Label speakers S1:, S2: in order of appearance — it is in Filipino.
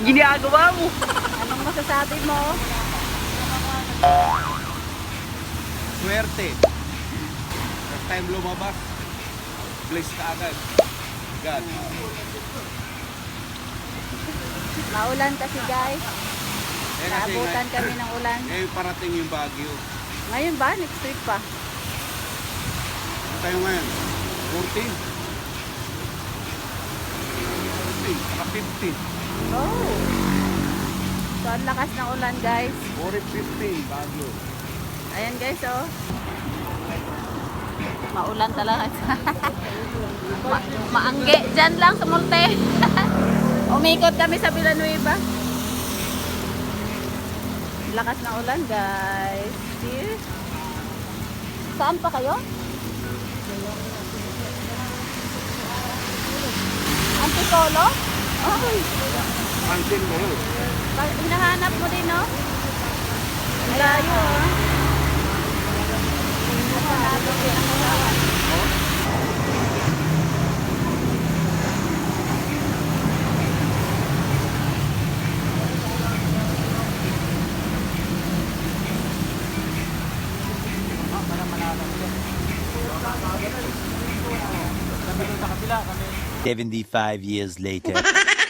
S1: ginagawa mo?
S2: Anong masasabi mo?
S3: Swerte. First time lumabas, bless ka agad. God.
S2: Maulan kasi guys.
S3: Eh, kasi
S2: Naabutan kami ng ulan.
S3: ngayon parating yung Baguio.
S2: Ngayon ba? Next week pa.
S3: Ano tayo ngayon? 14. 14, saka 15.
S2: Oh. So, ang lakas ng ulan guys.
S3: 15, Baguio.
S2: Ayan guys, oh. Maulan talaga. Maangge. Diyan lang sa Multe. Umikot kami sa Villanueva. Lakas ng ulan guys. See? Saan pa kayo? Antipolo? Ay.
S3: Pansin mo yun.
S2: Hinahanap mo din, no? Ang layo, ah.
S4: Kami 75 years later.